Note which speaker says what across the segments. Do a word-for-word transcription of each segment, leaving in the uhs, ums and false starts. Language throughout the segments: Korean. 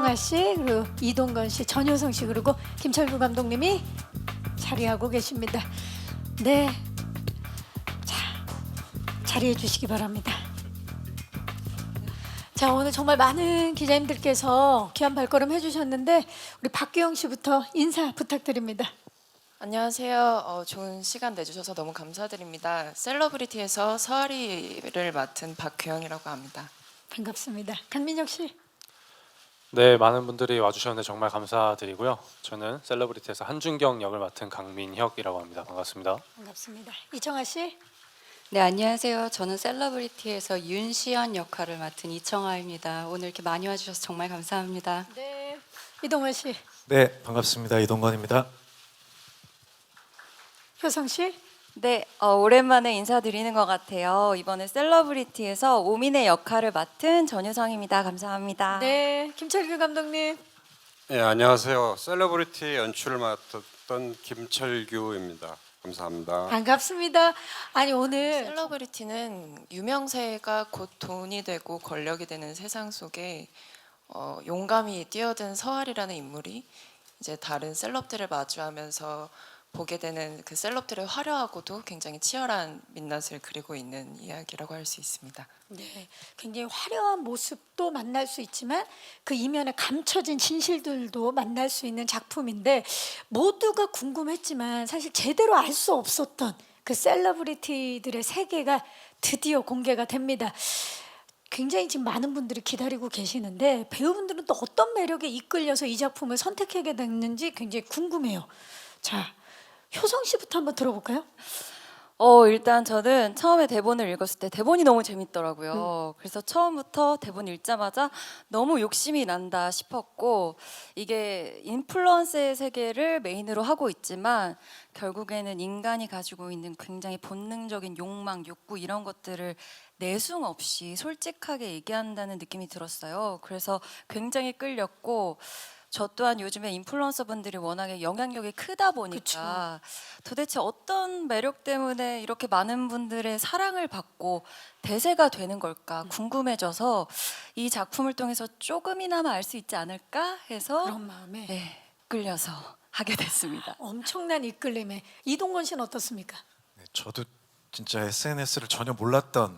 Speaker 1: 이청아 씨, 그리고 이동건 씨, 전효성 씨, 그리고 김철구 감독님이 자리하고 계십니다. 네, 자 자리해 주시기 바랍니다. 자, 오늘 정말 많은 기자님들께서 귀한 발걸음 해주셨는데 우리 박규영 씨부터 인사 부탁드립니다.
Speaker 2: 안녕하세요. 어, 좋은 시간 내주셔서 너무 감사드립니다. 셀러브리티에서 서아리를 맡은 박규영이라고 합니다.
Speaker 1: 반갑습니다. 강민혁 씨.
Speaker 3: 네, 많은 분들이 와주셨는데 정말 감사드리고요. 저는 셀러브리티에서 한준경 역을 맡은 강민혁이라고 합니다. 반갑습니다.
Speaker 1: 반갑습니다. 이청아 씨.
Speaker 4: 네, 안녕하세요. 저는 셀러브리티에서 윤시연 역할을 맡은 이청아입니다. 오늘 이렇게 많이 와주셔서 정말 감사합니다.
Speaker 1: 네, 이동원 씨.
Speaker 5: 네, 반갑습니다. 이동건입니다.
Speaker 1: 효성 씨.
Speaker 6: 네, 어, 오랜만에 인사드리는 것 같아요. 이번에 셀러브리티에서 오민의 역할을 맡은 전유성입니다. 감사합니다.
Speaker 1: 네, 김철규 감독님.
Speaker 7: 네, 안녕하세요. 셀러브리티 연출을 맡았던 김철규입니다. 감사합니다.
Speaker 1: 반갑습니다. 아니 오늘
Speaker 2: 셀러브리티는 유명세가 곧 돈이 되고 권력이 되는 세상 속에 어, 용감히 뛰어든 서아리라는 인물이 이제 다른 셀럽들을 마주하면서 보게 되는 그 셀럽들의 화려하고도 굉장히 치열한 민낯을 그리고 있는 이야기라고 할 수 있습니다.
Speaker 1: 네, 굉장히 화려한 모습도 만날 수 있지만 그 이면에 감춰진 진실들도 만날 수 있는 작품인데 모두가 궁금했지만 사실 제대로 알 수 없었던 그 셀러브리티들의 세계가 드디어 공개가 됩니다. 굉장히 지금 많은 분들이 기다리고 계시는데 배우분들은 또 어떤 매력에 이끌려서 이 작품을 선택하게 됐는지 굉장히 궁금해요. 자, 효성 씨부터 한번 들어볼까요?
Speaker 6: 어, 일단 저는 처음에 대본을 읽었을 때 대본이 너무 재밌더라고요. 음. 그래서 처음부터 대본 읽자마자 너무 욕심이 난다 싶었고, 이게 인플루언서의 세계를 메인으로 하고 있지만 결국에는 인간이 가지고 있는 굉장히 본능적인 욕망, 욕구 이런 것들을 내숭 없이 솔직하게 얘기한다는 느낌이 들었어요. 그래서 굉장히 끌렸고, 저 또한 요즘에 인플루언서 분들이 워낙에 영향력이 크다 보니까 그쵸. 도대체 어떤 매력 때문에 이렇게 많은 분들의 사랑을 받고 대세가 되는 걸까 궁금해져서 이 작품을 통해서 조금이나마 알 수 있지 않을까 해서
Speaker 1: 그런 마음에
Speaker 6: 네, 끌려서 하게 됐습니다.
Speaker 1: 엄청난 이끌림에 이동건 씨는 어떻습니까?
Speaker 5: 네, 저도 진짜 에스엔에스를 전혀 몰랐던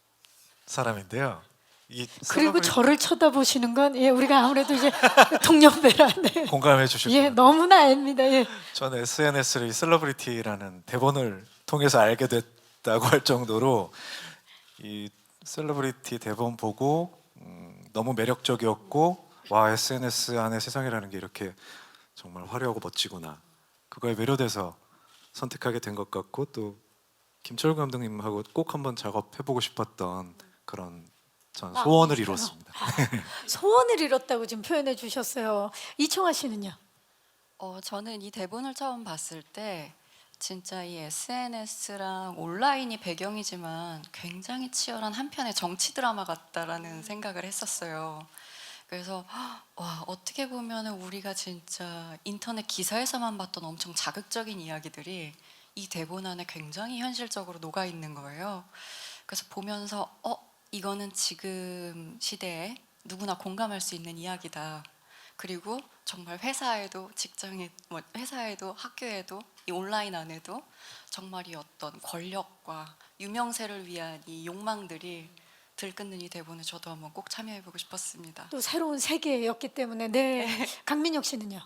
Speaker 5: 사람인데요. 이
Speaker 1: 그리고
Speaker 5: 셀러브리티
Speaker 1: 저를 쳐다보시는 건 예, 우리가 아무래도 이제 동년배라 네.
Speaker 5: 공감해 주실
Speaker 1: 예,
Speaker 5: 거예요.
Speaker 1: 너무나 압니다. 예.
Speaker 5: 저는 에스엔에스를 이 셀러브리티라는 대본을 통해서 알게 됐다고 할 정도로 이 셀러브리티 대본 보고 음, 너무 매력적이었고 와 에스엔에스 안에 세상이라는 게 이렇게 정말 화려하고 멋지구나. 그거에 매료돼서 선택하게 된 것 같고 또 김철구 감독님하고 꼭 한번 작업해보고 싶었던 그런 전 소원을
Speaker 1: 아,
Speaker 5: 이뤘습니다.
Speaker 1: 아, 소원을 이뤘다고 지금 표현해 주셨어요. 이청아 씨는요?
Speaker 4: 어, 저는 이 대본을 처음 봤을 때 진짜 이 에스엔에스랑 온라인이 배경이지만 굉장히 치열한 한편의 정치 드라마 같다라는 생각을 했었어요. 그래서 와, 어떻게 보면 우리가 진짜 인터넷 기사에서만 봤던 엄청 자극적인 이야기들이 이 대본 안에 굉장히 현실적으로 녹아 있는 거예요. 그래서 보면서 어 이거는 지금 시대에 누구나 공감할 수 있는 이야기다. 그리고 정말 회사에도 직장에 뭐 회사에도 학교에도 이 온라인 안에도 정말 이 어떤 권력과 유명세를 위한 이 욕망들이 들끓는 이 대본에 저도 한번 꼭 참여해보고 싶었습니다.
Speaker 1: 또 새로운 세계였기 때문에 네. 강민혁 씨는요?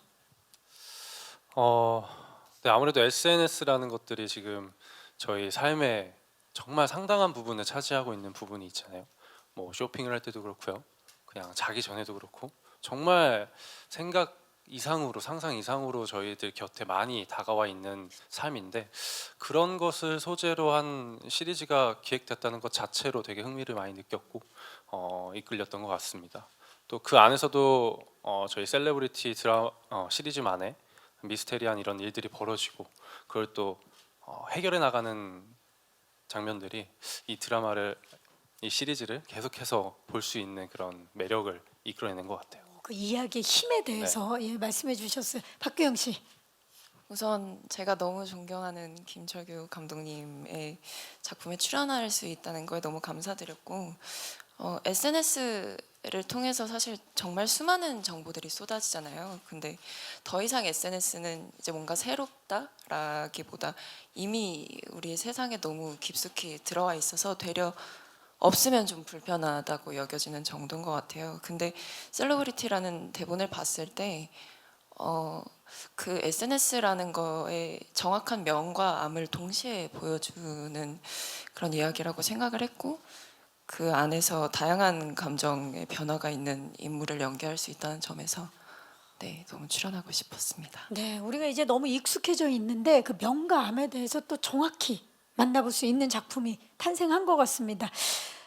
Speaker 3: 어, 네, 아무래도 에스엔에스라는 것들이 지금 저희 삶에 정말 상당한 부분을 차지하고 있는 부분이 있잖아요. 뭐 쇼핑을 할 때도 그렇고요. 그냥 자기 전에도 그렇고 정말 생각 이상으로 상상 이상으로 저희들 곁에 많이 다가와 있는 삶인데 그런 것을 소재로 한 시리즈가 기획됐다는 것 자체로 되게 흥미를 많이 느꼈고 어, 이끌렸던 것 같습니다. 또 그 안에서도 어, 저희 셀레브리티 드라 어, 시리즈만의 미스테리한 이런 일들이 벌어지고 그걸 또 어, 해결해 나가는 장면들이 이 드라마를 이 시리즈를 계속해서 볼 수 있는 그런 매력을 이끌어내는 것 같아요.
Speaker 1: 그 이야기의 힘에 대해서 네. 예, 말씀해 주셨어요. 박규영 씨.
Speaker 2: 우선 제가 너무 존경하는 김철규 감독님의 작품에 출연할 수 있다는 거에 너무 감사드렸고 어, 에스엔에스 에스엔에스를 통해서 사실 정말 수많은 정보들이 쏟아지잖아요. 근데 더 이상 에스엔에스는 이제 뭔가 새롭다라기보다 이미 우리의 세상에 너무 깊숙이 들어와 있어서 되려 없으면 좀 불편하다고 여겨지는 정도인 것 같아요. 근데 셀러브리티라는 대본을 봤을 때 어, 그 에스엔에스라는 거에 정확한 명과 암을 동시에 보여주는 그런 이야기라고 생각을 했고, 그 안에서 다양한 감정의 변화가 있는 인물을 연기할 수 있다는 점에서 네, 너무 출연하고 싶었습니다.
Speaker 1: 네, 우리가 이제 너무 익숙해져 있는데 그 명과 암에 대해서 또 정확히 만나볼 수 있는 작품이 탄생한 것 같습니다.